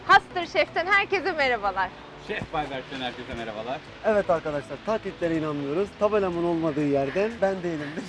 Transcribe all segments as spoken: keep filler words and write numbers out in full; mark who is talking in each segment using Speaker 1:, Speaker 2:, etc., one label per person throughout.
Speaker 1: Master Chef'ten herkese merhabalar.
Speaker 2: Şef Bayberk'ten herkese merhabalar.
Speaker 3: Evet arkadaşlar, taklitlere inanmıyoruz. Tabelamın olmadığı yerden ben değilimdir.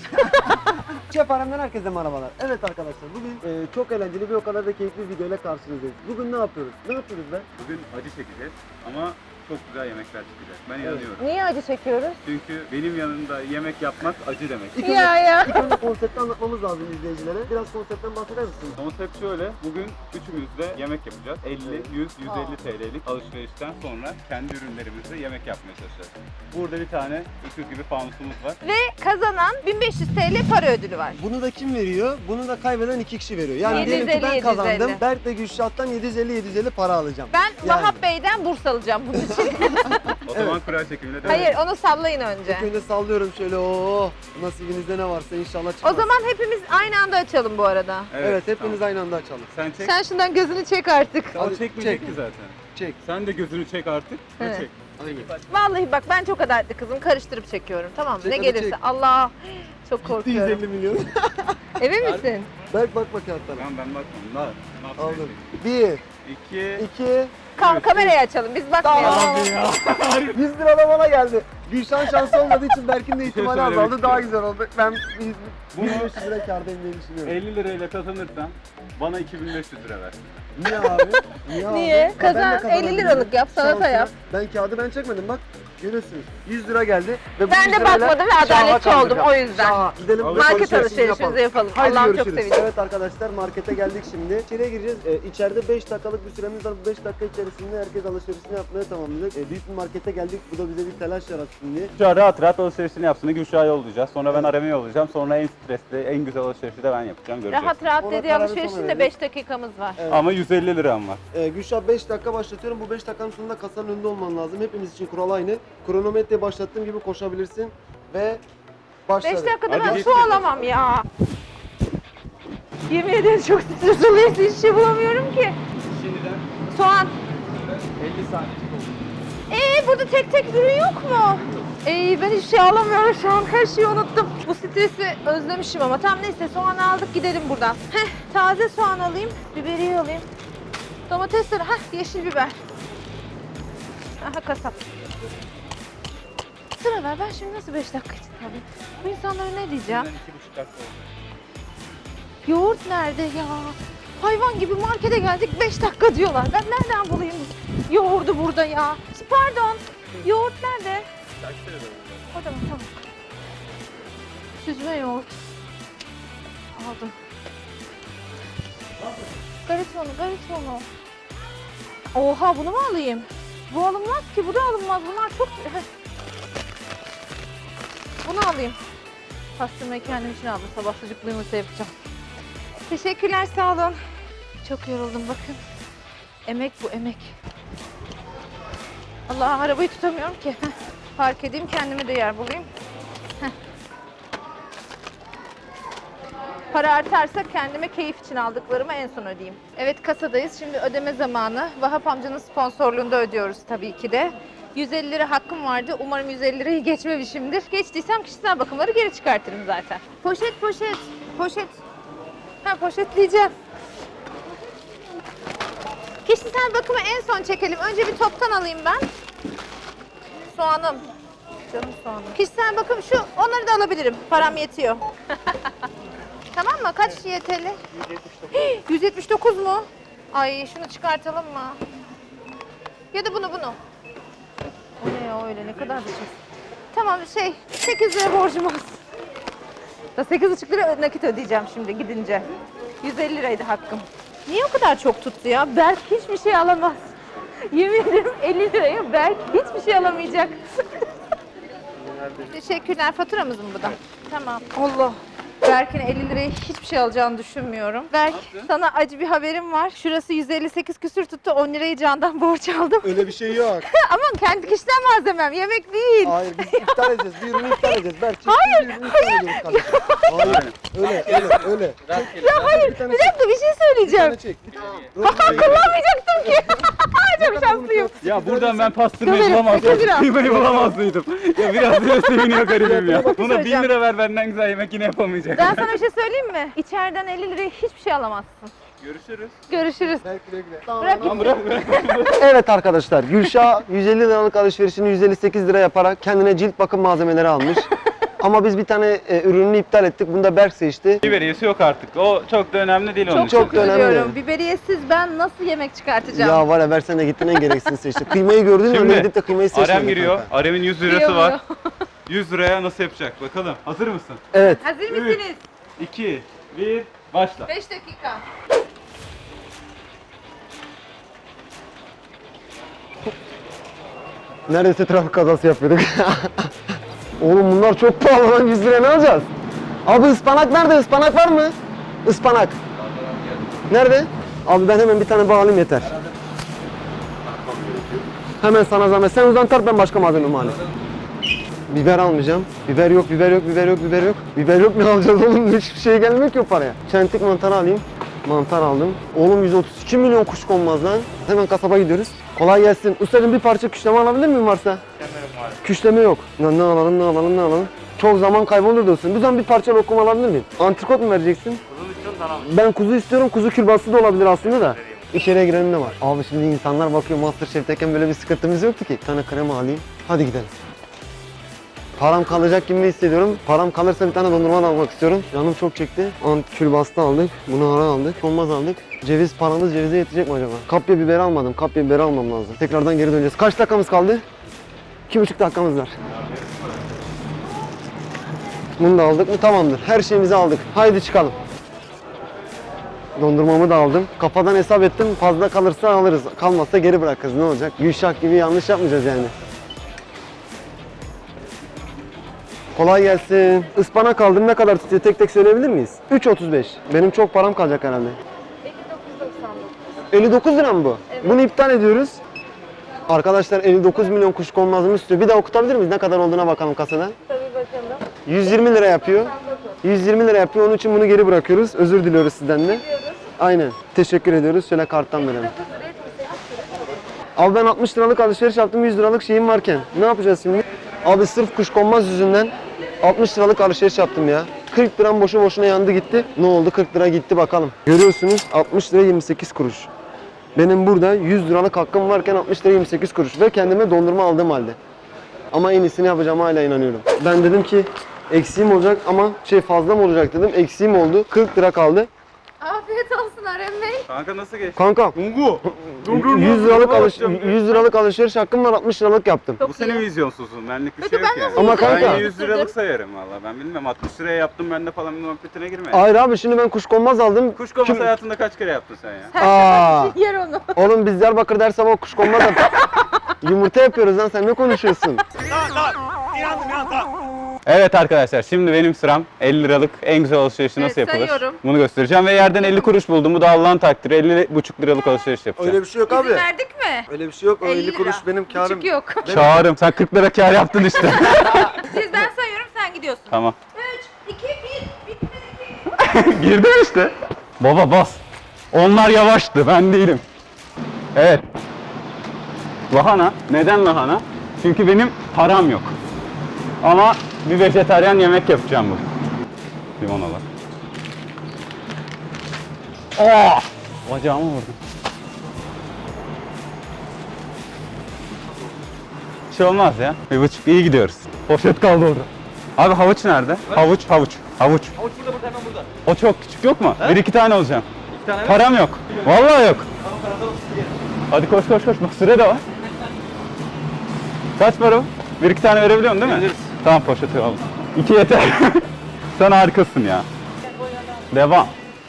Speaker 3: Şef Alem'den herkese merhabalar. Evet arkadaşlar, bugün e, çok eğlenceli bir o kadar da keyifli bir videoyla karşınızdayız. Bugün ne yapıyoruz? Ne yapıyoruz be?
Speaker 2: Bugün acı çekeceğiz ama çok güzel yemekler çıkacak. Ben
Speaker 3: Evet.
Speaker 2: inanıyorum.
Speaker 1: Niye acı çekiyoruz?
Speaker 2: Çünkü benim yanında yemek yapmak acı demek.
Speaker 3: İlk
Speaker 1: Ya
Speaker 3: önce,
Speaker 1: ya.
Speaker 3: ilk önce konsepti anlatmamız lazım izleyicilere. Biraz konseptten bahseder misiniz?
Speaker 2: Konsept şöyle, bugün üçümüz de yemek yapacağız. elli, yüz, yüz elli T L'lik alışverişten sonra kendi ürünlerimizle yemek yapmaya çalışacağız. Burada bir tane öküz gibi fanusumuz var.
Speaker 1: Ve kazanan bin beş yüz T L para ödülü var.
Speaker 3: Bunu da kim veriyor? Bunu da kaybeden iki kişi veriyor. Yani
Speaker 1: yedi yüz
Speaker 3: diyelim ki ben
Speaker 1: elli,
Speaker 3: kazandım.
Speaker 1: yedi yüz elli.
Speaker 3: Berk de Gülşah'tan yedi yüz elli yedi yüz elli para alacağım.
Speaker 1: Ben
Speaker 3: Yani.
Speaker 1: Vahap Bey'den burs alacağım bunun için.
Speaker 2: O zaman kura çekimine devam.
Speaker 1: Hayır, onu sallayın önce.
Speaker 3: İlk önce sallıyorum şöyle. Oo, nasibinizde ne varsa inşallah çıkmaz.
Speaker 1: O zaman hepimiz aynı anda açalım bu arada.
Speaker 3: Evet, hepimiz
Speaker 2: tamam.
Speaker 3: aynı anda açalım.
Speaker 2: Sen çek.
Speaker 1: Sen şundan gözünü çek artık.
Speaker 2: O
Speaker 3: Hadi,
Speaker 2: çekmeyecek
Speaker 3: çek.
Speaker 2: ki zaten.
Speaker 3: Çek.
Speaker 2: Sen de gözünü çek artık ve
Speaker 1: Evet.
Speaker 2: çek.
Speaker 3: Aynen.
Speaker 1: Vallahi bak ben çok adaletli kızım. Karıştırıp çekiyorum, tamam mı?
Speaker 3: Çek,
Speaker 1: Ne
Speaker 3: hadi
Speaker 1: gelirse.
Speaker 3: çek.
Speaker 1: Allah, çok
Speaker 3: yüz elli
Speaker 1: korkuyorum.
Speaker 3: milyon.
Speaker 1: Emin misin?
Speaker 3: Berk bak bak kağıtlara.
Speaker 2: Tamam ben bakmam. Ne, ne yapayım?
Speaker 3: Aldım. Bir,
Speaker 2: İki.
Speaker 3: iki,
Speaker 1: Kam kamerayı açalım, biz bakmayalım.
Speaker 3: Tamam. yüz lira da bana geldi. Gülşah'ın şansı olmadığı için Berk'in de ihtimali
Speaker 2: söylemek
Speaker 3: azaldı. Daha
Speaker 2: istiyorum.
Speaker 3: güzel oldu. Ben bin
Speaker 2: Bunu-
Speaker 3: beş yüz lira kârdayım diye düşünüyorum.
Speaker 2: elli lirayla kazanırsan bana iki bin beş yüz lira ver.
Speaker 3: Niye abi? Niye abi?
Speaker 1: Niye?
Speaker 3: Ha, ben de
Speaker 1: Kazan,
Speaker 3: kazanabilirim.
Speaker 1: elli liralık yap, salata
Speaker 3: Şansına.
Speaker 1: yap.
Speaker 3: Ben kağıdı ben çekmedim bak. Görüyorsunuz. yüz lira geldi. Ve bu
Speaker 1: Ben
Speaker 3: yüz
Speaker 1: de
Speaker 3: lirayla
Speaker 1: bakmadım ve
Speaker 3: Şah'a
Speaker 1: adaletçi
Speaker 3: kaldıracağım.
Speaker 1: oldum, o yüzden.
Speaker 3: Şah'a. Gidelim.
Speaker 2: Market
Speaker 3: alışverişimizi
Speaker 1: alışverişimizi yapalım.
Speaker 3: Haydi
Speaker 1: Allah'ım çok
Speaker 3: görüşürüz.
Speaker 1: seveceğim.
Speaker 3: Evet arkadaşlar, markete geldik şimdi. İçeriye gireceğiz. Ee, içeride beş dakikalık bir süremiz var. Bu beş dakika içerisinde herkes alışverişini yapmaya tamamlayacak. Ee, büyük bir markete geldik. Bu da bize bir telaş yaratsın diye.
Speaker 2: Şu an rahat rahat alışverişini yapsın. Gülşah'a yollayacağız. Sonra ben Arem'e yollayacağım. Sonra en stresli, en güzel alışverişi de ben yapacağım. Göreceğiz.
Speaker 1: Rahat rahat
Speaker 3: Ona
Speaker 1: dediği
Speaker 3: kararı
Speaker 1: alışverişin
Speaker 3: sonra
Speaker 1: de
Speaker 3: verelim.
Speaker 1: beş dakikamız var.
Speaker 3: Evet.
Speaker 2: Ama yüz elli liram var.
Speaker 3: Ee, Gülşah beş dakika başlatıyorum. Bu beş dakikanın sonunda kasanın önünde olman lazım. Hepimiz için kural aynı. Kronometreyi başlattığım gibi koşabilirsin ve başladı.
Speaker 1: beş dakikada
Speaker 2: Hadi
Speaker 1: ben
Speaker 2: git.
Speaker 1: su alamam ya. Yemin ederim çok stres oluyor. Hiç şey bulamıyorum ki.
Speaker 2: Şimdiden
Speaker 1: Soğan.
Speaker 2: elli saniyecik oldu.
Speaker 1: Ee burada tek tek ürün yok mu? Ee ben hiç şey alamıyorum şu an. Her şeyi unuttum. Bu stresi özlemişim ama. Tamam neyse, soğan aldık, gidelim buradan. Heh, taze soğan alayım. Biberiye alayım. Domatesleri. Heh, yeşil biber. Aha kasap. Sıra ver. Ben şimdi nasıl beş dakika için alayım? Bu insanlara ne diyeceğim?
Speaker 2: Şimdiden iki buçuk dakika oldu.
Speaker 1: Yoğurt nerede ya? Hayvan gibi markete geldik, beş dakika diyorlar. Ben nereden bulayım yoğurdu burada ya? Pardon, yoğurt nerede? O da mı? Tamam. Süzme yoğurt. Aldım. Garitonu, garitonu. Oha, bunu mu alayım? Bu alınmaz ki, bu da alınmaz. Bunlar çok... Heh. Bunu alayım. Pastırmayı kendim için aldım. Sabah sucuklu yumurta yapacağım. Teşekkürler, sağ olun. Çok yoruldum bakın. Emek bu, emek. Allah, arabayı tutamıyorum ki. Heh. Park edeyim, kendime de yer bulayım. Heh. Para artarsa kendime keyif için aldıklarımı en son ödeyeyim. Evet, kasadayız. Şimdi ödeme zamanı. Vahap amcanın sponsorluğunda ödüyoruz tabii ki de. yüz elli lira hakkım vardı. Umarım yüz elli lirayı geçmemişimdir. Geçtiysem kişisel bakımları geri çıkartırım zaten. Poşet, poşet, poşet. Ha, poşetleyeceğim. Kişisel bakımı en son çekelim. Önce bir toptan alayım ben. Soğanım. Canım soğanım. Kişisel bakım şu, onları da alabilirim. Param yetiyor. Tamam mı? Kaç Y T L? yüz yetmiş dokuz mu? Ay şunu çıkartalım mı? Ya da bunu bunu. O ne ya öyle, ne kadar bir şey. Tamam şey, sekiz lira borcum olsun. Da sekiz buçuk lira nakit ödeyeceğim şimdi gidince. yüz elli liraydı hakkım. Niye o kadar çok tuttu ya? Berk hiçbir şey alamaz. Yemin ederim elli liraya Berk hiçbir şey alamayacak. Teşekkürler. Faturamız mı bu da? Tamam. Allah. Berk'in elli liraya hiçbir şey alacağını düşünmüyorum. Berk, sana acı bir haberim var. Şurası yüz elli sekiz küsür tuttu. on lirayı Can'dan borç aldım.
Speaker 3: Öyle bir şey yok.
Speaker 1: Ama kendi kişisel malzemem, yemek değil.
Speaker 3: Hayır, biz iptal edeceğiz. Bir ürünü iptal edeceğiz. Berk, hayır, bir ürünü iptal ediyoruz kardeşim. Hayır, öyle, öyle, öyle.
Speaker 1: Ya hayır, bir dakika bir şey
Speaker 3: Bir
Speaker 1: söyleyeceğim.
Speaker 3: tane çek. Bir tane.
Speaker 1: Kullanmayacaktım ki. Çok şanslıyım.
Speaker 2: Ya buradan ben pastırmayı
Speaker 1: Dur,
Speaker 2: bulamazdım.
Speaker 1: sekiz lira.
Speaker 2: Kıymayı bulamazdım. Ya biraz bile seviniyor garibim ya. Buna bin
Speaker 1: söyleyeceğim.
Speaker 2: lira ver, benden güzel yemek yine yapamayacak.
Speaker 1: Ben sana bir şey söyleyeyim mi? İçeriden elli liraya hiçbir şey alamazsın.
Speaker 2: Görüşürüz.
Speaker 1: Görüşürüz.
Speaker 3: Bırak
Speaker 2: Lan bırak bırak.
Speaker 3: Evet arkadaşlar, Gülşah yüz elli liralık alışverişini yüz elli sekiz lira yaparak kendine cilt bakım malzemeleri almış. Ama biz bir tane e, ürününü iptal ettik. Bunu da Berk seçti.
Speaker 2: Biberiyesi yok artık. O çok da önemli değil onun
Speaker 1: Çok
Speaker 2: için.
Speaker 3: çok da önemli.
Speaker 1: üzülüyorum. Biberiyesiz ben nasıl yemek çıkartacağım?
Speaker 3: Ya var ya, Berk sen de gittin en gereksiz seçti. Kıymayı gördün mü?
Speaker 2: Şimdi
Speaker 3: Öyle gidip de kıymayı seçmedin.
Speaker 2: Arem giriyor.
Speaker 3: kanka.
Speaker 2: Arem'in yüz lirası
Speaker 1: Kıyamıyor.
Speaker 2: var. yüz liraya nasıl yapacak? Bakalım. Hazır mısın?
Speaker 3: Evet.
Speaker 1: Hazır mısınız?
Speaker 2: iki, bir, başla.
Speaker 1: beş dakika.
Speaker 3: Neredeyse trafik kazası yapıyorduk. Oğlum bunlar çok pahalı lan, yüz liraya ne alacağız? Abi ıspanak nerede? Ispanak var mı? Ispanak. Nerede? Abi ben hemen bir tane bağlayayım yeter. Hemen sana zahmet. Sen uzan tart, ben başka malzememi alayım. Biber almayacağım. Biber yok, biber yok, biber yok, biber yok. Biber yok, ne alacağız oğlum? Hiçbir şey gelmiyor ki o paraya. Çentik mantarı alayım. Mantar aldım. Oğlum yüz otuz iki milyon kuşkonmaz lan. Hemen kasaba gidiyoruz. Kolay gelsin. Ustacığım bir parça küşleme alabilir miyim varsa? Küşleme yok. Ne, ne alalım, ne alalım, ne alalım? Çok zaman kaybolur diyorsun. Bu zaman bir parça lokum alabilir miyim? Antrikot mu vereceksin?
Speaker 4: Kuzu istiyorsun tamam.
Speaker 3: Ben kuzu istiyorum. Kuzu kürbası da olabilir aslında da. İçeriye girelim, ne var? Abi şimdi insanlar bakıyor, Masterchef'teyken böyle bir sıkıntımız yoktu ki. Bir tane krema alayım. Hadi gidelim. Param kalacak gibi hissediyorum. Param kalırsa bir tane dondurma da almak istiyorum. Canım çok çekti. Antikülbastı aldık. Bunu ara aldık. Olmaz aldık. Ceviz, paramız cevize yetecek mi acaba? Kapya biber almadım. Kapya biber almam lazım. Tekrardan geri döneceğiz. Kaç dakikamız kaldı? İki buçuk dakikamız var. Bunu da aldık mı? Tamamdır. Her şeyimizi aldık. Haydi çıkalım. Dondurmamı da aldım. Kafadan hesap ettim. Fazla kalırsa alırız. Kalmazsa geri bırakırız. Ne olacak? Gülşah gibi yanlış yapmayacağız yani. Kolay gelsin. Ispanak aldım. Ne kadar tutuyor? Tek tek söyleyebilir miyiz? üç otuz beş. Benim çok param kalacak herhalde. elli dokuz lira mı bu? Bunu iptal ediyoruz. Arkadaşlar elli dokuz milyon kuşkonmazımı istiyor. Bir daha okutabilir miyiz? Ne kadar olduğuna bakalım kasada.
Speaker 1: Tabii bakalım.
Speaker 3: yüz yirmi lira yapıyor. yüz yirmi lira yapıyor. Onun için bunu geri bırakıyoruz. Özür diliyoruz sizden de. Aynen. Teşekkür ediyoruz. Şöyle karttan verelim. Abi ben altmış liralık alışveriş yaptım. yüz liralık şeyim varken. Ne yapacağız şimdi? Abi sırf kuşkonmaz yüzünden altmış liralık alışveriş yaptım ya. kırk liram boşu boşuna yandı gitti. Ne oldu? kırk lira gitti bakalım. Görüyorsunuz altmış lira yirmi sekiz kuruş. Benim burada yüz liralık hakkım varken altmış lira yirmi sekiz kuruş ve kendime dondurma aldığım halde. Ama en iyisini yapacağıma hala inanıyorum. Ben dedim ki eksiğim olacak ama şey fazla mı olacak dedim. Eksiğim oldu. kırk lira kaldı.
Speaker 1: Afiyet olsun Arem Bey.
Speaker 2: Kanka nasıl geçti?
Speaker 3: Kanka
Speaker 2: Ungu.
Speaker 3: yüz liralık alış yüz liralık alışveriş hakkım var, altmış liralık yaptım.
Speaker 2: Bu senin vizyonsuzun. Benlik bir
Speaker 1: Peki
Speaker 2: şey yok
Speaker 1: ben
Speaker 2: yani.
Speaker 1: nasıl
Speaker 3: Ama
Speaker 1: yüz liraya
Speaker 3: kanka-
Speaker 2: Ben yüz liralık
Speaker 1: yaptırdım?
Speaker 2: sayarım valla. Ben bilmem altmış liraya yaptım ben de falan bir muhabbetine girme.
Speaker 3: Hayır abi, şimdi ben kuşkonmaz aldım.
Speaker 2: Kuşkonmaz
Speaker 3: Kim-
Speaker 2: hayatında kaç kere yaptın sen ya?
Speaker 3: Aa,
Speaker 1: Yer onu.
Speaker 3: oğlum biz Diyarbakır der sabah kuşkonmaz at. Yumurta yapıyoruz lan, sen ne konuşuyorsun?
Speaker 4: Tamam tamam. İnandım ya tamam.
Speaker 2: Evet arkadaşlar, şimdi benim sıram. elli liralık en güzel alışverişi nasıl
Speaker 1: Evet,
Speaker 2: yapılır?
Speaker 1: sayıyorum.
Speaker 2: Bunu göstereceğim ve yerden elli kuruş buldum. Bu da Allah'ın takdiri. elli buçuk liralık alışveriş yapacağım.
Speaker 3: Öyle bir şey yok
Speaker 1: İzin
Speaker 3: abi.
Speaker 1: verdik mi?
Speaker 3: Öyle bir şey yok. O
Speaker 1: elli
Speaker 3: elli kuruş
Speaker 1: lira.
Speaker 3: benim karım.
Speaker 1: Küçük yok.
Speaker 2: Çağırım. Sen kırk lira kar yaptın işte.
Speaker 1: Siz ben sayıyorum sen gidiyorsun.
Speaker 2: Tamam.
Speaker 1: üç, iki, bir. Bitmedi ki.
Speaker 2: Girdim işte. Baba bas. Onlar yavaştı. Ben değilim. Evet. Lahana. Neden lahana? Çünkü benim param yok. Ama bir vejetaryen yemek yapacağım bu. Limonalar. Aa! Bacağımı vurdum. Bir şey olmaz ya. Bir buçuk iyi gidiyoruz. Poşet kaldı orada. Abi havuç nerede? Havuç, havuç, havuç.
Speaker 4: Havuç burada burada hemen burada.
Speaker 2: O çok küçük yok mu? Bir iki tane alacağım.
Speaker 4: İki tane ver.
Speaker 2: Param yok. Vallahi yok.
Speaker 4: Tamam karatalım sizi.
Speaker 2: Hadi koş koş koş. Bak süre de var. Kaç para bu? Bir iki tane verebiliyorsun değil mi?
Speaker 4: Veririz.
Speaker 2: Tamam poşeti al. İki yeter. Sen harikasın ya. Devam.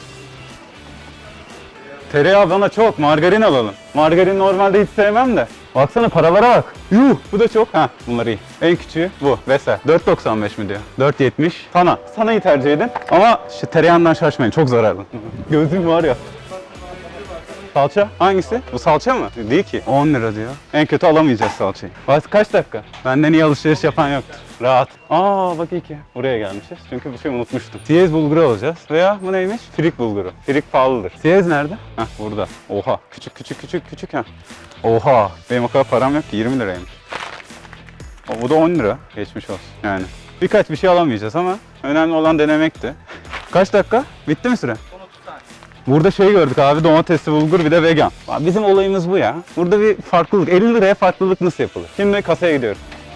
Speaker 2: Tereyağı bana çok. Margarin alalım. Margarin normalde hiç sevmem de. Baksana paralara bak. Yuh bu da çok. Ha bunlar iyi. En küçüğü bu. Vesa. dört doksan beş mi diyor? dört yetmiş. Sana. Sanayı tercih edin. Ama şu tereyağından şaşmayın. Çok zararlı. Gözüm var ya. Salça? Hangisi? Bu salça mı? Değil ki. on lira diyor. En kötü alamayacağız salçayı. Bak kaç dakika? Benden iyi alışveriş yapan yoktur. Rahat. Aa bak iyi ki. Buraya gelmişiz. Çünkü bir şey unutmuştum. Siyez bulguru alacağız. Veya bu neymiş? Firik bulguru. Firik pahalıdır. Siyez nerede? Heh burada. Oha. Küçük küçük küçük küçük ha. Oha. Benim o kadar param yok ki. yirmi liraymış. O, bu da on lira. Geçmiş olsun. Yani. Birkaç bir şey alamayacağız ama önemli olan denemekti. Kaç dakika? Bitti mi süre?
Speaker 4: Son otuz saniye.
Speaker 2: Burada şey gördük abi, domatesli bulgur bir de vegan. Abi bizim olayımız bu ya. Burada bir farklılık, elli liraya farklılık nasıl yapılır? Şimdi kasaya gidiyoruz.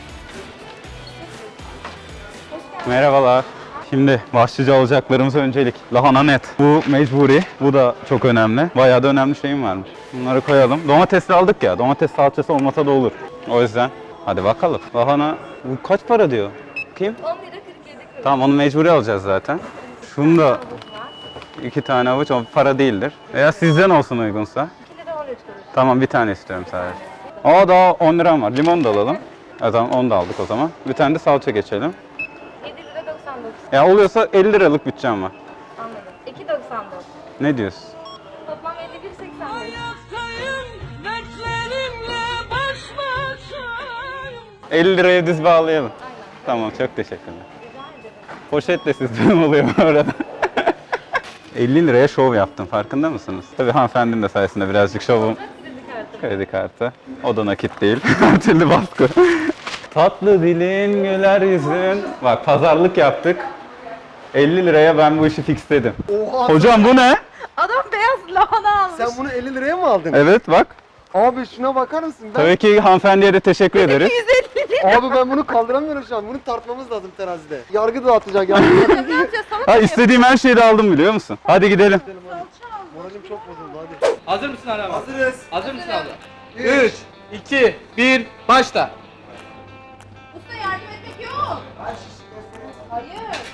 Speaker 2: Merhabalar. Şimdi başlıca alacaklarımız öncelik. Lahana net. Bu mecburi. Bu da çok önemli. Bayağı da önemli şeyim varmış. Bunları koyalım. Domatesli aldık ya. Domates salçası olmasa da olur. O yüzden hadi bakalım. Lahana bu kaç para diyor? Kim?
Speaker 1: on lira kırk yedi kuruş.
Speaker 2: Tamam, onu mecburi alacağız zaten. Şunu da iki tane avuç, o para değildir. Veya sizden olsun uygunsa.
Speaker 1: iki lira on üç kuruş.
Speaker 2: Tamam, bir tane istiyorum sadece. Aa, daha on liram var. Limon da alalım. E tamam, onu da aldık o zaman. Bir tane de salça geçelim.
Speaker 1: yedi lira doksan dokuz.
Speaker 2: Ya oluyorsa elli liralık bütçem var.
Speaker 1: Anladım. iki doksan dokuz.
Speaker 2: Ne diyorsun?
Speaker 1: Toplam elli bir seksen beş.
Speaker 2: elli liraya düz bağlayalım. Tamam, çok teşekkürler. Poşet de sizden oluyor bu arada. elli liraya şov yaptım, farkında mısınız? Tabii hanımefendinin de sayesinde birazcık şovum.
Speaker 1: Kredi kartı.
Speaker 2: Kredi kartı. O da nakit değil. Her türlü baskı. Tatlı dilin, güler yüzün. Bak, pazarlık yaptık. elli liraya ben bu işi fixledim.
Speaker 3: Oha!
Speaker 2: Hocam bu ne?
Speaker 1: Adam beyaz lahana almış.
Speaker 3: Sen bunu elli liraya mı aldın?
Speaker 2: Evet bak.
Speaker 3: Abi şuna bakar mısın? Ben...
Speaker 2: Tabii ki hanımefendiye de teşekkür ederiz.
Speaker 1: yüz elli lira.
Speaker 3: Abi ben bunu kaldıramıyorum şu an. Bunu tartmamız lazım terazide. Yargı dağıtacak yani.
Speaker 1: Ne yapacağız? Salata
Speaker 2: Ha,
Speaker 1: mı
Speaker 2: istediğim her şeyi de aldım, biliyor musun? Hadi gidelim.
Speaker 3: Moralim çok bozuldu hadi.
Speaker 4: Hazır mısın abi?
Speaker 3: Hazırız.
Speaker 4: Hazır mısın abi? üç, iki, bir, başla.
Speaker 1: Usta yardım etmek yok. Hayır.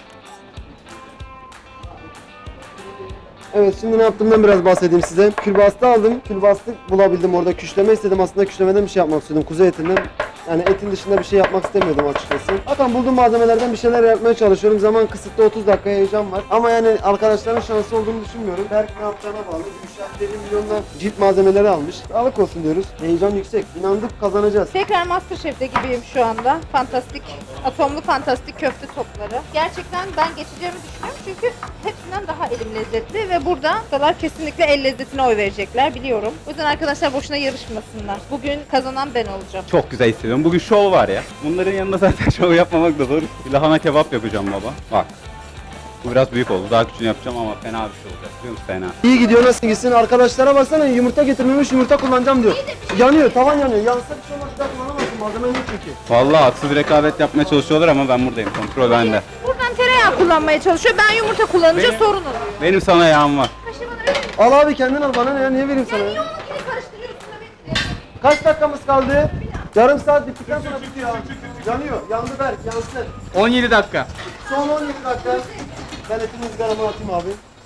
Speaker 3: Evet, şimdi ne yaptığımdan biraz bahsedeyim size. Külbastı aldım. Külbastı bulabildim orada. Küşleme istedim. Aslında küşlemeden bir şey yapmak istedim. Kuzu etinden. Yani etin dışında bir şey yapmak istemiyordum açıkçası. Zaten bulduğum malzemelerden bir şeyler yapmaya çalışıyorum. Zaman kısıtlı, otuz dakika heyecan var. Ama yani arkadaşların şansı olduğunu düşünmüyorum. Belki ne yapacağına bağlı. Gülşah deli milyondan cilt malzemeleri almış. Sağlık olsun diyoruz. Heyecan yüksek. İnandık, kazanacağız.
Speaker 1: Tekrar Masterchef'te gibiyim şu anda. Fantastik, atomlu fantastik köfte topları. Gerçekten ben geçeceğimi düşünüyorum çünkü hepsinden daha elim lezzetli ve burada ustalar kesinlikle el lezzetine oy verecekler biliyorum. O yüzden arkadaşlar boşuna yarışmasınlar. Bugün kazanan ben olacağım.
Speaker 2: Çok güzel hissediyorum. Bugün şov var ya. Bunların yanında zaten şov yapmamak da zor. Bir lahana kebap yapacağım baba. Bak. Bu biraz büyük oldu. Daha küçüğünü yapacağım ama fena bir şey olacak. Biliyor musun? Fena.
Speaker 3: İyi gidiyor, nasıl gitsin? Arkadaşlara baksana, yumurta getirmemiş, yumurta kullanacağım diyor. Yanıyor, tavan yanıyor. Yansa bir şey olmaz, bir daha kullanamazsın. Malzeme yok çünkü.
Speaker 2: Vallahi haksız rekabet yapmaya çalışıyorlar ama ben buradayım. Kontrol bende.
Speaker 1: Buradan tereyağı kullanmaya çalışıyor. Ben yumurta kullanınca
Speaker 2: Benim-
Speaker 1: sorun oluyor.
Speaker 2: Benim sana yağım var.
Speaker 1: Kaşı bana verir misin?
Speaker 3: Al abi, kendin al, bana ne ya, niye vereyim sana ya?
Speaker 1: Niye onunkini karıştırıyorsun da bekle.
Speaker 3: Kaç dakikamız kaldı? Yarım saat bittikten sonra bitiyor abi. Yanıyor, yandı Berk, yansın.
Speaker 4: on yedi dakika.
Speaker 3: Son on yedi dakika. Ben etimi ızgarama atayım abi.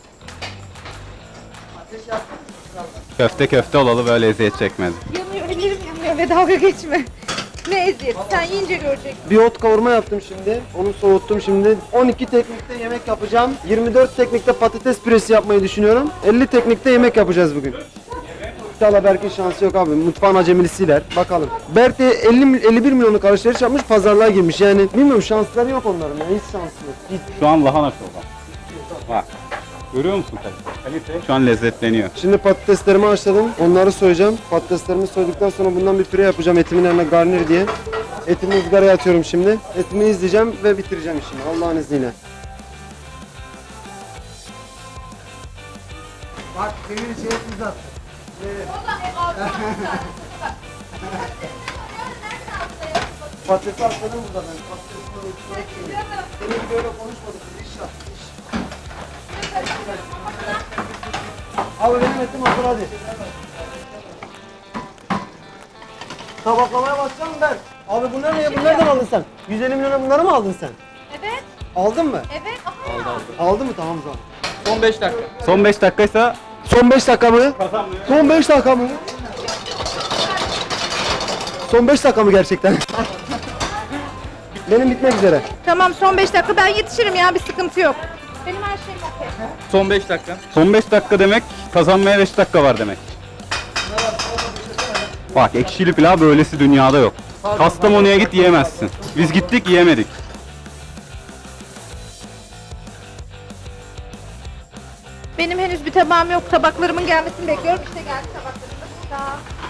Speaker 3: Ateş yaktın mı?
Speaker 2: Köfte köfte olalı böyle eziyet çekmedi.
Speaker 1: Yanıyor, ellerim yanıyor ve dalga geçme. Ne eziyet, sen yiyince göreceksin.
Speaker 3: Bir ot kavurma yaptım şimdi. Onu soğuttum şimdi. on iki teknikte yemek yapacağım. yirmi dört teknikte patates püresi yapmayı düşünüyorum. elli teknikte yemek yapacağız bugün. İnşallah Berk'in şansı yok abi. Mutfağın acemilisiler. Bakalım. Berk de elli, elli bir milyonluk alışveriş yapmış, pazarlığa girmiş. Yani bilmiyorum, şansları yok onların. Yani hiç şansı yok. Hiç.
Speaker 2: Şu an lahana şovu. Bak. Görüyor musun kalite? Kalite şu an lezzetleniyor.
Speaker 3: Şimdi patateslerimi haşladım. Onları soyacağım. Patateslerimi soyduktan sonra bundan bir püre yapacağım etimin yanına garnir diye. Etimi ızgaraya atıyorum şimdi. Etimi izleyeceğim ve bitireceğim işimi Allah'ın izniyle. Bak demir şey uzat. Patatesi haşladım burada ben. Patatesini Demin böyle konuşmadık. İş yap. iş. Abi benim etim hazır hadi. Tabaklamaya başlayalım ben. Abi bunlar ne? Bunlardan aldın sen. yüz elli milyona bunları mı aldın sen?
Speaker 1: Evet,
Speaker 3: Aldın mı?
Speaker 1: evet. Aha.
Speaker 3: Aldın mı? Tamam o zaman.
Speaker 4: Son beş dakika.
Speaker 2: Son beş dakikaysa
Speaker 3: Son beş dakika mı? Son beş dakika mı? Son beş dakika mı gerçekten? Benim bitmek üzere.
Speaker 1: Tamam, son beş dakika ben yetişirim ya, bir sıkıntı yok. Benim her şeyim okey.
Speaker 4: Son beş dakika.
Speaker 2: son beş dakika demek kazanmaya beş dakika var demek. Bak, ekşili pilav böylesi dünyada yok. Kastamonu'ya git yiyemezsin. Biz gittik yiyemedik.
Speaker 1: Benim henüz bir tabağım yok. Tabaklarımın gelmesini bekliyorum. İşte geldi tabaklarım da burada.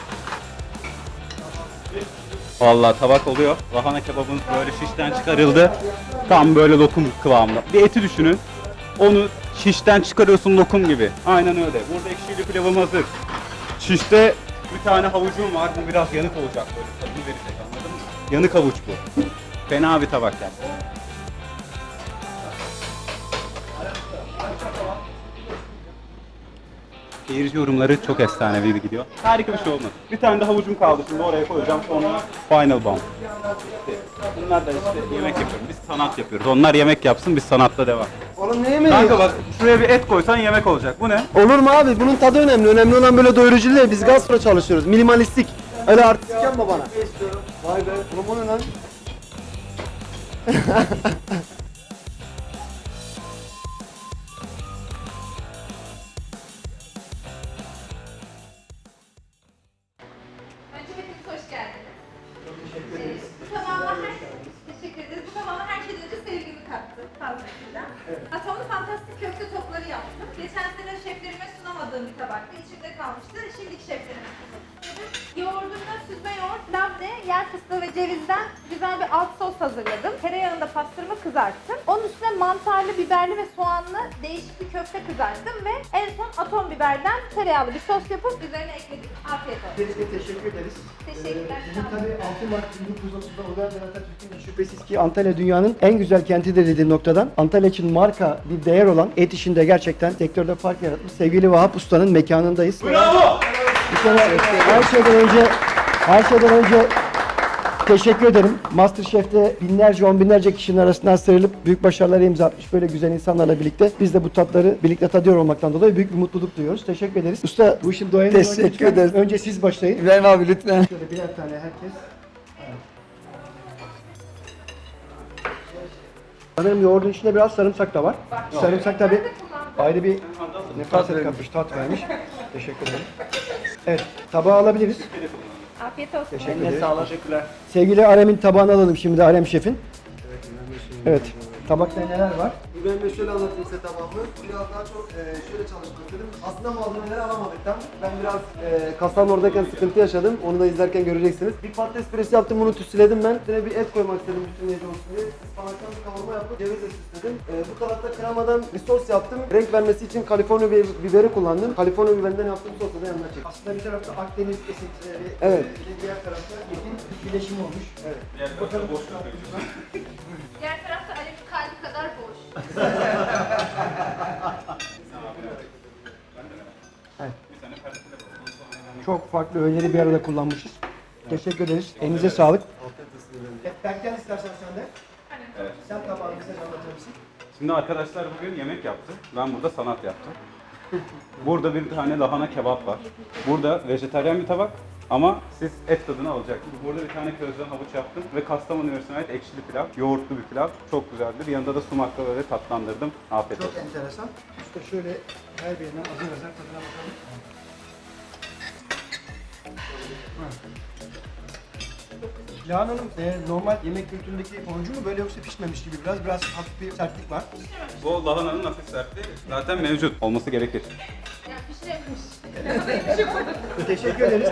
Speaker 2: Vallahi tabak oluyor. Lahana kebabın böyle şişten çıkarıldı. Tam böyle lokum kıvamında. Bir eti düşünün. Onu Şişten çıkarıyorsun lokum gibi. Aynen öyle. Burada ekşili pilavım hazır. Şişte bir tane havucum var. Bu biraz yanık olacak böyle. Tadını verecek, anladın mı? Yanık havuç bu. Fena bir tabak yani. Seyirci yorumları çok efsanevi gidiyor. Harika bir şey olmadı. Bir tane de havucum kaldı, şimdi oraya koyacağım, sonra final bomb. Bunlar da işte yemek yapıyorum, biz sanat yapıyoruz. Onlar yemek yapsın, biz sanatta devam.
Speaker 3: Oğlum ne yemeği?
Speaker 2: Kanka bak, şuraya bir et koysan yemek olacak. Bu ne?
Speaker 3: Olur mu abi? Bunun tadı önemli. Önemli olan böyle doyurucu değil. Biz gastro çalışıyoruz. Minimalistik. Öyle artistik yapma bana. Vay be. Oğlum o ne lan?
Speaker 1: Önce hepiniz hoş geldiniz. Çok teşekkür ederiz. Bu tamamen her... Teşekkür ederiz. Bu tamamen her şeyden önce sevgimi kattı fazlasıyla. Evet. Atomlu fantastik köfte topları yaptım. Geçen sene şeflerime sunamadığım bir tabaktı. İçimde kalmıştı. Şimdiki şeflerime sunadım. Yoğurdumda süzme yoğurt, labne, yer fıstığı ve cevizden güzel bir alt sos hazırladım. Tereyağında pastırma kızarttım. Onun üstüne mantarlı, biberli ve soğanlı değişik bir köfte kızarttım ve en son atom biberden tereyağlı bir sos yapıp üzerine ekledim. Afiyet olsun.
Speaker 5: Öncelikle teşekkür ederiz.
Speaker 1: Teşekkürler.
Speaker 5: Ee, Bizim tabii altı Mart bin dokuz yüz otuzda Uygar Atatürk'ün şüphesiz ki Antalya dünyanın en güzel kentidir dediği noktadan Antalya için marka bir değer olan et işinde gerçekten sektörde fark yaratmış sevgili Vahap Usta'nın mekanındayız.
Speaker 2: Bravo!
Speaker 5: Bir kere her şeyden önce her şeyden önce teşekkür ederim. MasterChef'te binlerce, on binlerce kişinin arasından sıyrılıp büyük başarılara imza atmış böyle güzel insanlarla birlikte biz de bu tatları birlikte tadıyor olmaktan dolayı büyük bir mutluluk duyuyoruz. Teşekkür ederiz. Usta bu işin doyenu
Speaker 3: Teşekkür
Speaker 5: lütfen
Speaker 3: ederiz.
Speaker 5: Önce siz başlayın.
Speaker 3: İbrahim abi lütfen.
Speaker 5: Şöyle birer tane herkes. Sanırım yoğurdun içinde biraz sarımsak da var. Sarımsak tabi ayrı bir nefes katmış, tat vermiş. Teşekkür ederim. Evet, tabağı alabiliriz.
Speaker 1: Afiyet olsun.
Speaker 5: Teşekkür ederim. Sevgili Arem'in tabağını alalım şimdi de Arem şefin. Evet, tabakta neler var?
Speaker 3: İbrahim Bey şöyle anlatayım size tamamını. Biraz daha çok e, şöyle çalışmak istedim. Aslında malzemeleri alamadık tam. Ben biraz e, kasanın oradayken sıkıntı yaşadım. Onu da izlerken göreceksiniz. Bir patates püresi yaptım, bunu tütsüledim ben. Üstüne bir et koymak istedim bütünleyici olsun diye. Ispanaktan bir kavurma yapıp cevizle süsledim. E, bu tarafta kremadan bir sos yaptım. Renk vermesi için Kaliforniya bi- biberi kullandım. Kaliforniya biberinden yaptığım sosu da yanına çektim.
Speaker 5: Aslında bir tarafta Akdeniz esintileri,
Speaker 3: Evet.
Speaker 5: bir de diğer tarafta etin bir bileşimi olmuş. Evet.
Speaker 2: Bakalım boş
Speaker 1: Diğer tarafta Alev'in kalbi kadar boş.
Speaker 5: Çok farklı öğeleri bir arada kullanmışız. Teşekkür ederiz. Elinize sağlık. Berken istersen sen de.
Speaker 2: Evet.
Speaker 5: Sen tabağını bize anlatır mısın?
Speaker 2: Şimdi arkadaşlar bugün yemek yaptı. Ben burada sanat yaptım. Burada bir tane lahana kebap var. Burada vejetaryen bir tabak ama siz et tadını alacaksınız. Burada bir tane közden havuç yaptım ve Kastamonu Üniversitesi'ne ait ekşili pilav, yoğurtlu bir pilav. Çok güzeldir. Yanında da sumakla böyle tatlandırdım. Afiyet
Speaker 5: Çok
Speaker 2: olsun.
Speaker 5: enteresan. Usta şöyle her birine azar azar tadına bakalım. Lahan Hanım, e, normal yemek kültüründeki orucu mu böyle yoksa pişmemiş gibi biraz biraz hafif bir sertlik var.
Speaker 2: Bu lahananın hafif sertliği zaten mevcut. Olması gerekir.
Speaker 1: Ya pişiremiş.
Speaker 5: Teşekkür ederiz.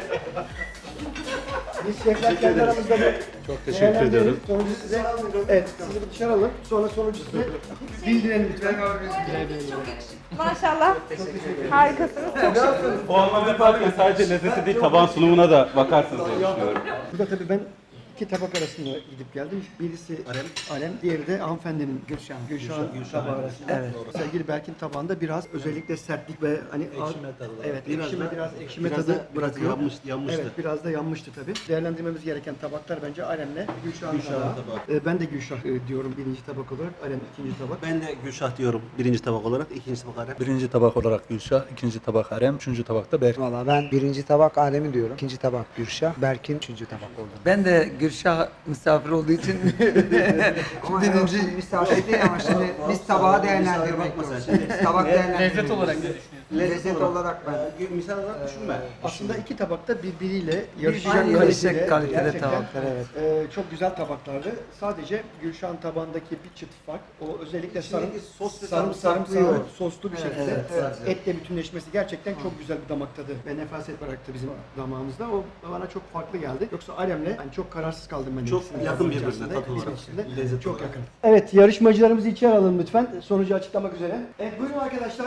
Speaker 5: Biz şefler kendi aramızda bir çok teşekkür ediyorum. Sonucu size, evet sizi bir dışarı alalım. Sonra sonucu size bildirelim lütfen.
Speaker 1: Çok yakışıklı. Maşallah. Harikasınız. Çok şıksınız.
Speaker 2: Bu anlamda yaparken sadece lezzeti değil, taban sunumuna da bakarsınız diye düşünüyorum.
Speaker 5: Burada tabii ben iki tabak arasında gidip geldim. Birisi Alem, Alem diğeri de hanımefendinin Gülşah, Gülşah'ın tabağı arasında. Evet. Sevgili Berk'in tabağında biraz özellikle sertlik ve hani ekşime tadı. Evet,
Speaker 6: Biraz
Speaker 5: ekşime
Speaker 6: da-
Speaker 5: biraz ekşime
Speaker 6: biraz
Speaker 5: tadı
Speaker 6: da- biraz
Speaker 5: bırakıyor.
Speaker 6: yanmış- yanmıştı.
Speaker 5: Evet, biraz da yanmıştı tabii. Değerlendirmemiz gereken tabaklar bence Alem'le Gülşah'ın
Speaker 6: Gülşah'ın
Speaker 5: tabağı.
Speaker 6: tabağı.
Speaker 5: Ee, ben de Gülşah e, diyorum birinci tabak olarak, Alem ikinci tabak.
Speaker 6: Ben de Gülşah diyorum birinci tabak olarak, ikinci tabak Arem.
Speaker 7: Birinci tabak olarak Gülşah, ikinci tabak Harem, üçüncü tabakta Berk.
Speaker 8: Valla ben birinci tabak Adem'i diyorum. İkinci tabak Gülşah. Berk'in üçüncü tabak oldu.
Speaker 9: Ben de Gülşah misafir olduğu için
Speaker 8: Ama birinci misafir değil ama şimdi biz tabağı değerlendirmek
Speaker 6: bakma sen
Speaker 8: zorundayız. Tabak değerlendirmek
Speaker 4: Lezzet olarak ne düşünüyorsun?
Speaker 8: Lezzet olarak ben.
Speaker 6: Misal olarak düşünme.
Speaker 5: Aslında iki tabakta birbiriyle yarışacak
Speaker 9: Aynı
Speaker 5: kalitede,
Speaker 9: yarışacak kalitede
Speaker 5: gerçekten,
Speaker 9: tabaklar, evet.
Speaker 5: e, çok güzel tabaklardı. Sadece Gülşah'ın tabağındaki bir çıt fark. O özellikle sarım,
Speaker 6: İçindeki sos ve
Speaker 5: sarım,
Speaker 6: sarımsak
Speaker 5: sarımsağı
Speaker 6: duyuyor.
Speaker 5: soslu bir şekilde
Speaker 8: evet, evet.
Speaker 5: etle bütünleşmesi gerçekten çok güzel bir damak tadı ve nefaset bıraktı bizim damağımızda. O bana çok farklı geldi. Yoksa Alem'le yani çok kararsız kaldım ben.
Speaker 6: Çok
Speaker 5: ikisinin
Speaker 6: yakın
Speaker 5: içerisinde,
Speaker 6: birbirine tat olarak,
Speaker 5: içerisinde.
Speaker 6: lezzet
Speaker 5: Çok
Speaker 6: olarak.
Speaker 5: yakın. Evet, yarışmacılarımızı içeri alalım lütfen. Sonucu açıklamak üzere. Evet, buyurun arkadaşlar.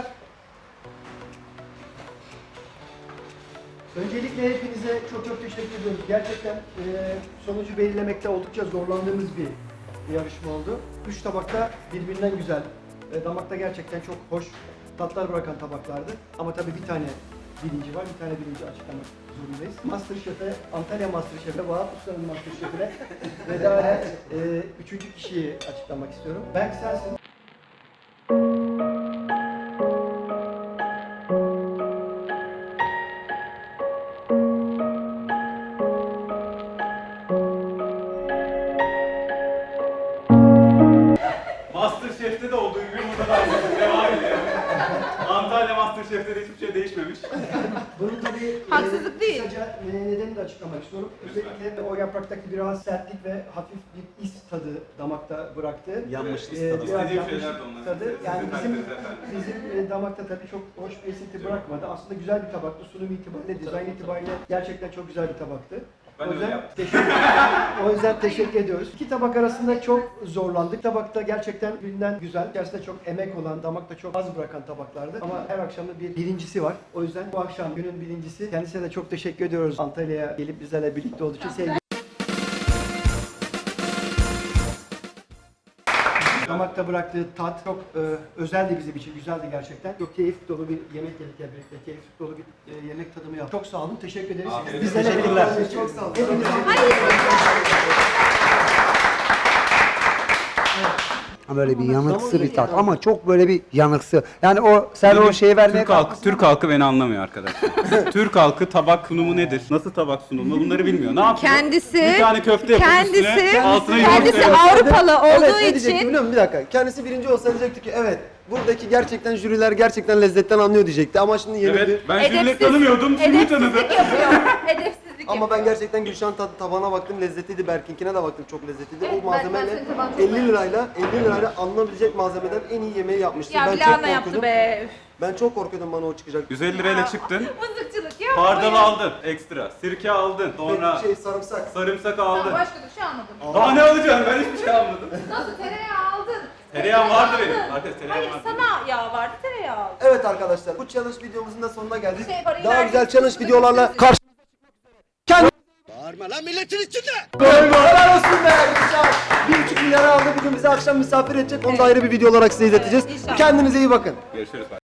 Speaker 5: Öncelikle hepinize çok çok teşekkür ediyoruz. Gerçekten e, sonucu belirlemekte oldukça zorlandığımız bir yarışma oldu. Üç tabakta birbirinden güzel, e, damakta gerçekten çok hoş tatlar bırakan tabaklardı. Ama tabii bir tane birinci var, bir tane birinci açıklamak zorundayız. Masterchef'e, Antalya Masterchef'e, Vahap Usta'nın Masterchef'e ve daha e, üçüncü kişiyi açıklamak istiyorum. Berk sensin.
Speaker 2: Masterchef'te de olduğu gibi burada da devam ediyor. Antalya Masterchef'te de hiçbir şey değişmemiş.
Speaker 5: Bunun tabii
Speaker 1: Haksızlık
Speaker 5: e,
Speaker 1: değil.
Speaker 5: kısaca e, nedenini de açıklamak istiyorum. Özellikle de o yapraktaki biraz sertlik ve hafif bir is tadı damakta bıraktı.
Speaker 6: Yanmış is
Speaker 5: E,
Speaker 6: tadı.
Speaker 5: biraz
Speaker 2: İstediğim
Speaker 5: yanmış
Speaker 2: şeyler de onlar.
Speaker 5: tadı.
Speaker 2: Sizin
Speaker 5: Yani bizim,
Speaker 2: kaliteniz efendim.
Speaker 5: bizim e, damakta tabii çok hoş bir esinti bırakmadı. Aslında güzel bir tabaktı. Sunum itibariyle, dizayn itibariyle gerçekten çok güzel bir tabaktı.
Speaker 2: Ben
Speaker 5: o
Speaker 2: öyle
Speaker 5: yüzden
Speaker 2: yaptım.
Speaker 5: teşekkür, o yüzden teşekkür ediyoruz. İki tabak arasında çok zorlandık. Tabakta gerçekten birbirinden güzel, içerisinde çok emek olan, damakta çok az bırakan tabaklardı. Ama her akşam da bir birincisi var. O yüzden bu akşam günün birincisi. Kendisine de çok teşekkür ediyoruz. Antalya'ya gelip bizlerle birlikte olduğu için sevgili. Damakta bıraktığı tat çok e, özeldi bizim için, güzeldi gerçekten. Çok keyif dolu bir yemek yedik hep birlikte, keyif dolu bir e, yemek tadımı yaptık. Çok sağ olun, teşekkür ederiz.
Speaker 2: Afiyet
Speaker 5: Bizlerle
Speaker 6: olsun.
Speaker 5: birlikte olduğunuz için çok sağ olun. Hepinize
Speaker 8: Böyle bir yanıksı bir tat ama çok böyle bir yanıksı. Yani o sen o şeyi vermeye
Speaker 2: Türk halkı,
Speaker 8: kalkmışsın
Speaker 2: Türk halkı beni anlamıyor arkadaşlar. Türk halkı tabak sunumu nedir? Nasıl tabak sunulur? Bunları bilmiyor. Ne yapıyor?
Speaker 1: Kendisi,
Speaker 2: bir tane köfte yapıp
Speaker 1: kendisi,
Speaker 2: üstüne altına
Speaker 1: kendisi
Speaker 2: yumurta
Speaker 1: Avrupalı
Speaker 3: Evet,
Speaker 1: olduğu
Speaker 3: ne diyecektim
Speaker 1: için
Speaker 3: biliyor musun? Bir dakika. Kendisi birinci olsa diyecekti ki evet buradaki gerçekten jüriler gerçekten lezzetten anlıyor diyecekti ama şimdi yeni bir...
Speaker 2: Evet, ben jürileri
Speaker 1: edepsiz-
Speaker 2: tanımıyordum, şimdi tanıdım.
Speaker 1: edepsizlik yapıyor. Edepsizlik
Speaker 3: Ama
Speaker 1: yapıyor.
Speaker 3: ben gerçekten Gülşah'ın tadı tabağına baktım lezzetliydi. Berkinkine de baktım çok lezzetliydi.
Speaker 1: Evet,
Speaker 3: o
Speaker 1: ben- ben
Speaker 3: malzemeyle
Speaker 1: senin tabağını çok
Speaker 3: elli lirayla elli lirayla alınabilecek malzemeden en iyi yemeği yapmıştı.
Speaker 1: Ya
Speaker 3: ben
Speaker 1: bir
Speaker 3: çok
Speaker 1: ana yaptı
Speaker 3: korkuyordum.
Speaker 1: be. Üf.
Speaker 3: Ben çok korkuyordum bana o çıkacak.
Speaker 2: yüz elli lirayla çıktın.
Speaker 1: Mızıkçılık yapma
Speaker 2: Hardal
Speaker 1: ya.
Speaker 2: aldın ekstra. Sirke aldın. Sonra
Speaker 3: Şey sarımsak.
Speaker 2: sarımsak
Speaker 1: Tamam,
Speaker 2: aldın.
Speaker 1: başka bir şey almadım.
Speaker 2: Daha ne alacaksın? Ben hiçbir şey almadım.
Speaker 1: Nasıl tereyağı aldın?
Speaker 2: Tereyağım vardı
Speaker 1: aldın.
Speaker 2: benim. Arkadaş tereyağım
Speaker 1: Hayır
Speaker 2: vardı.
Speaker 1: sana yağ vardı tereyağı aldın.
Speaker 3: Evet arkadaşlar bu challenge videomuzun da sonuna geldik.
Speaker 1: Şey, parayı
Speaker 3: Daha
Speaker 1: verdik,
Speaker 3: güzel challenge
Speaker 1: üstüne
Speaker 3: videolarla
Speaker 1: götürdük.
Speaker 3: karşınıza çıkmak üzere. Kendinize bağırma lan milletin içinde. Helal olsun be Gülşah. Bir buçuk milyara aldı bugün bizi akşam misafir edecek. Onu da ayrı bir video olarak size izleteceğiz.
Speaker 1: inşallah.
Speaker 3: Kendinize iyi bakın.
Speaker 2: Görüşürüz.